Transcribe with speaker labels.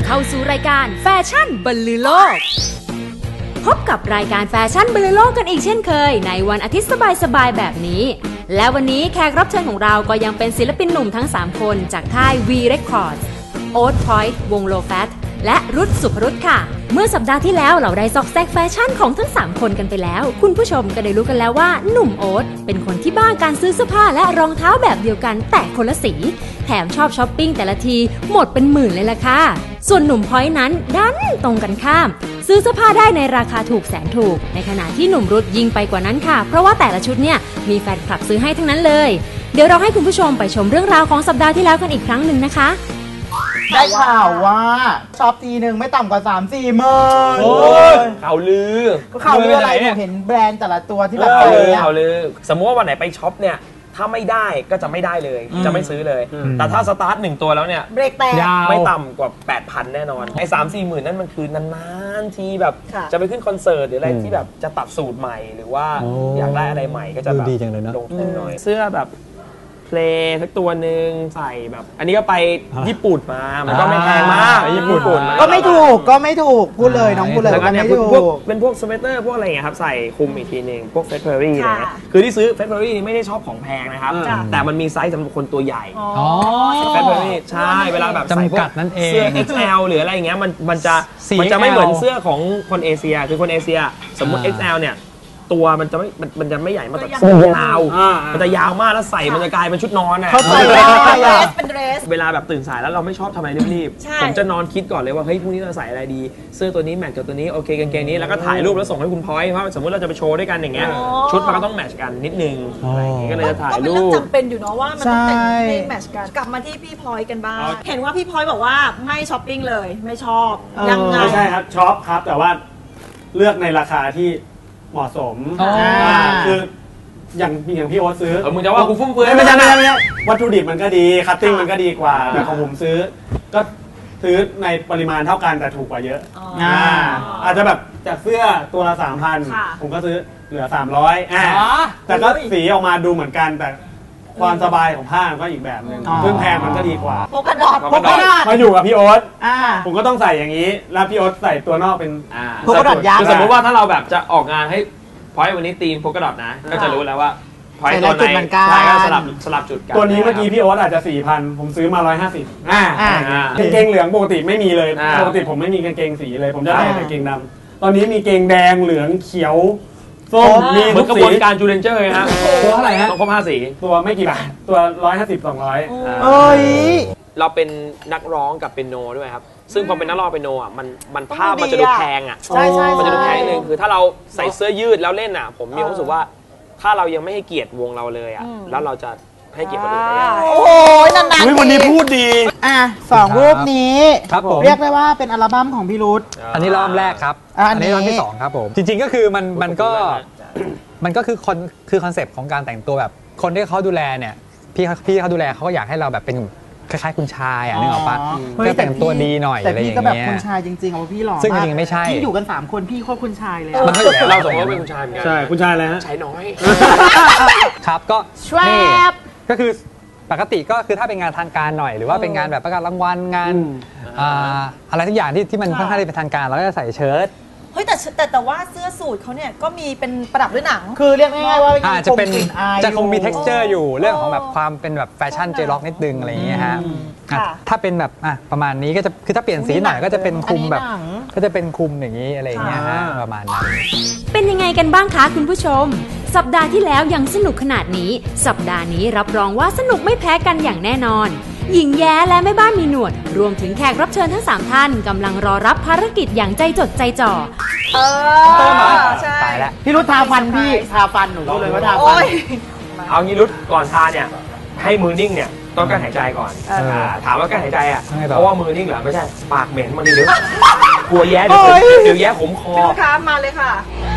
Speaker 1: เข้าสู่รายการแฟชั่นบรรลือโลกพบกับรายการแฟชั่นบรรลือโลกกันอีกเช่นเคยในวันอาทิตย์สบายๆแบบนี้และวันนี้แขกรับเชิญของเราก็ยังเป็นศิลปินหนุ่มทั้ง3คนจากค่าย V Records โอ๊ตพอยต์วงโลแฟตและรุตสุภรุตค่ะเมื่อสัปดาห์ที่แล้วเราได้ซอกแซกแฟชั่นของทั้ง3คนกันไปแล้วคุณผู้ชมก็ได้รู้กันแล้วว่าหนุ่มโอ๊ตเป็นคนที่บ้าการซื้อเสื้อผ้าและรองเท้าแบบเดียวกันแต่คนละสีแถมชอบช้อปปิ้งแต่ละทีหมดเป็นหมื่นเลยล่ะค่ะส่วนหนุ่มพอยต์นั้นดันตรงกันข้ามซื้อเสื้อผ้าได้ในราคาถูกแสนถูกในขณะที่หนุ่มรุตยิ่งไปกว่านั้นค่ะเพราะว่าแต่ละชุดเนี่ยมีแฟนคลับซื้อให้ทั้งนั้นเลยเดี๋ยวเราให้คุณผู้ชมไปชมเรื่องราวของสัปดาห์ที่แล้วกันอีกครั้งหนึ่งนะคะ
Speaker 2: ได้ข่าวว่าช็อปทีหนึ่งไม่ต่ำกว่า 3-4 หมื่น
Speaker 3: ข่าวลือ
Speaker 2: ก็ข่าวลืออะไรเห็นแบรนด์แต่ละตัวที่แบบ
Speaker 3: ข่าวลือสมมติว่าวันไหนไปช็อปเนี่ยถ้าไม่ได้ก็จะไม่ได้เลยจะไม่ซื้อเลยแต่ถ้าสตาร์ท1ตัวแล้วเนี่ย
Speaker 2: เบรกแตก
Speaker 3: ไม่ต่ำกว่า 8,000 แน่นอนไอ้ 3-4 หมื่นนั่นมันคือนานๆทีแบบจะไปขึ้นคอนเสิร์ตหรืออะไรที่แบบจะตัดสูตรใหม่หรือว่าอยากได้อะไรใหม่ก็จะแบบลงทุนหน่อยเสื้อแบบเพลย์สักตัวหนึ่งใส่แบบอันนี้ก็ไปญี่ปุ่นมามันก็ไม่แพงมากญี่ปุ่น
Speaker 2: ก็ไม่ถูกพูดเลยน้องพูดเลย
Speaker 3: แล้วก็เนี่ยเป็นพวกสเวตเตอร์พวกอะไรอย่างเงี้ยครับใส่คลุมอีกทีนึงพวกเฟสเพอรี่อะไรเงี้ยคือที่ซื้อเฟสเพอรี่นี่ไม่ได้ชอบของแพงนะครับแต่มันมีไซส์สำหรับคนตัวใหญ่เฟสเพอรี่ใช่เวลาแบบใส่พวกเสื้อ XL หรืออะไรอย่างเงี้ยมันจะไม่เหมือนเสื้อของคนเอเชียคือคนเอเชียสมมติ XL เนี่ยตัวมันจะไม่ใหญ่มากแต่เสื้อยาวมันจะยาวมากแล้วใส่มันจะกลายเป็นชุดนอนอ่ะ
Speaker 2: เป็นเดรส
Speaker 3: เวลาแบบตื่นสายแล้วเราไม่ชอบทำอะไรรีบๆผมจะนอนคิดก่อนเลยว่าเฮ้ยพรุ่งนี้เราใส่อะไรดีเสื้อตัวนี้แมทกับตัวนี้โอเคกางเกงนี้แล้วก็ถ่ายรูปแล้วส่งให้คุณพอยต์เพราะสมมติเราจะไปโชว์ด้วยกันอย่างเงี้ยชุดมันก็ต้องแมทช์กันนิดนึงอะไรอย่างเงี้ยก็เลยจะถ่ายรูปก็เป็นเรื่อง
Speaker 4: จำเป็นอยู่เนาะว่ามันต้องแต่งให้แมทช์กันกลับมาที่พี่พอยต์กันบ้างเห็นว่าพี่พอยต์บอกว่าไม่ช้อปปิ้งเลยไม่ชอบยังไง
Speaker 5: ไม่ใช่ครับช็อปครับแต่ว่าเลือกในราคาที่เหมาะสมคืออย่างพี่โอ๊ตซื้อ
Speaker 3: มึงจะว่ากูฟุ่มเฟือย
Speaker 5: ไม่ใช่วัตถุดิบมันก็ดีคัตติ้งมันก็ดีกว่าแต่ของผมซื้อก็ซื้อในปริมาณเท่ากันแต่ถูกกว่าเยอะอาจจะแบบจากเสื้อตัวละ 3,000 ผมก็ซื้อเหลือ 300แต่ก็สีออกมาดูเหมือนกันแต่ความสบายของผ้าก็อีกแบบนึงซึ่งแพงมันก็ดีกว่า
Speaker 4: โพกดอท
Speaker 5: มาอยู่กับพี่โอ๊ตผมก็ต้องใส่อย่างนี้แล้วพี่โอ๊ตใส่ตัวนอกเป็น
Speaker 2: โพกดอทยักษ์
Speaker 3: สมมติว่าถ้าเราแบบจะออกงานให้พอยต์วันนี้ทีมโพกดอทนะก็จะรู้แล้วว่าพอยต์ตัวไหนใช่ก็สลับจุดกัน
Speaker 5: ตัวนี้เมื่อกี้พี่โอ๊ตอาจจะ 4,000 ผมซื้อมา 150กางเกงเหลืองปกติไม่มีเลยปกติผมไม่มีกางเกงสีเลยผมจะใส่แต่กางเกงดำตอนนี้มีเกงแดงเหลืองเขียวส้มมี
Speaker 3: ทุกสีกระบวนการจูเลนเจอร์ฮะ
Speaker 5: ตัวเท่าไหร่ฮะ
Speaker 3: ต้องครบ5 สี
Speaker 5: ตัวไม่กี่บาทตัว150-200
Speaker 3: เราเป็นนักร้องกับเปียโนด้วยครับซึ่งพอเป็นนักร้องเปียโนอ่ะมันภาพมันจะดูแพงอ่ะมันจะดูแพงนิดนึงคือถ้าเราใส่เสื้อยืดแล้วเล่นอ่ะผมมีความรู้สึกว่าถ้าเรายังไม่ให้เกียรติวงเราเลยอ่ะแล้วเราจะให้เกียรติคนอื่นได้ยังไง
Speaker 2: โอ้ยนาน
Speaker 5: ๆวันนี้พูดดี
Speaker 2: 2 รูปนี้เรียกได้ว่าเป็นอัลบั้มของพี่รุต
Speaker 6: อันนี้รอบแรกครับอันนี้รอบที่2ครับผมจริงๆก็คือมันก็คือคอนเซปต์ของการแต่งตัวแบบคนที่เขาดูแลเนี่ยพี่เขาดูแลเขาก็อยากให้เราแบบเป็นคล้ายๆคุณชายนึกออกปะก็แต่งตัวดีหน่อยอะไรอย่างเงี้ยแต่พี่ก็แบบ
Speaker 2: คุณชายจริงๆเอาพี่หล่อ
Speaker 6: ซึ่งจริงๆไม่ใช่
Speaker 2: พี่อยู่กัน3คนพี่โคตรคุณชายเลย
Speaker 3: เราสองคนเป็นคุณชายเหมือนกัน
Speaker 5: ใช่คุณชายอะไรฮะ
Speaker 3: ชายน้อย
Speaker 6: ครับก็นี่ก็คือปกติก็คือถ้าเป็นงานทางการหน่อยหรือว่าเป็นงานแบบประกาศรางวัลงานอะไรทุกอย่างที่มันค่อนข้างที่เป็นทางการเราก็จะใส่เชิ้ต
Speaker 4: เฮ้ยแต่ว่าเสื้อสูทเขาเนี่ยก็มีเป็นประดับด้วยหนัง
Speaker 2: คือเรียกง่ายๆว่า
Speaker 6: จะคงมี texture อยู่เรื่องของแบบความเป็นแบบแฟชั่นเจล็อกนิดนึงอะไรอย่างเงี้ยฮะถ้าเป็นแบบประมาณนี้ก็จะคือถ้าเปลี่ยนสีหน่อยก็จะเป็นคุมแบบก็จะเป็นคุมอย่างนี้อะไรอย่างเงี้ยฮะประมาณนั้น
Speaker 1: เป็นยังไงกันบ้างคะคุณผู้ชมสัปดาห์ที่แล้วยังสนุกขนาดนี้สัปดาห์นี้รับรองว่าสนุกไม่แพ้กันอย่างแน่นอนหญิงแย้และแม่บ้านมีหนวดรวมถึงแขกรับเชิญทั้ง3ท่านกำลังรอรับภารกิจอย่างใจจดใจจ่อ
Speaker 4: ใช่
Speaker 2: พี่รุตทาฟันพี่ทาฟันหนูก็เลยว่าทาฟัน
Speaker 3: เอางี้รุตก่อนทาเนี่ยให้มือนิ่งเนี่ยต้องการหายใจก่อนถามว่าการหายใจอ่ะเพราะว่ามือนิ่งเหรอไม่ใช่ปากเหม็นมันนี่เดี๋ยวกลัวแย้เดี๋ยวแย้ขมคอ
Speaker 4: พี่รุตคะมาเลยค่ะ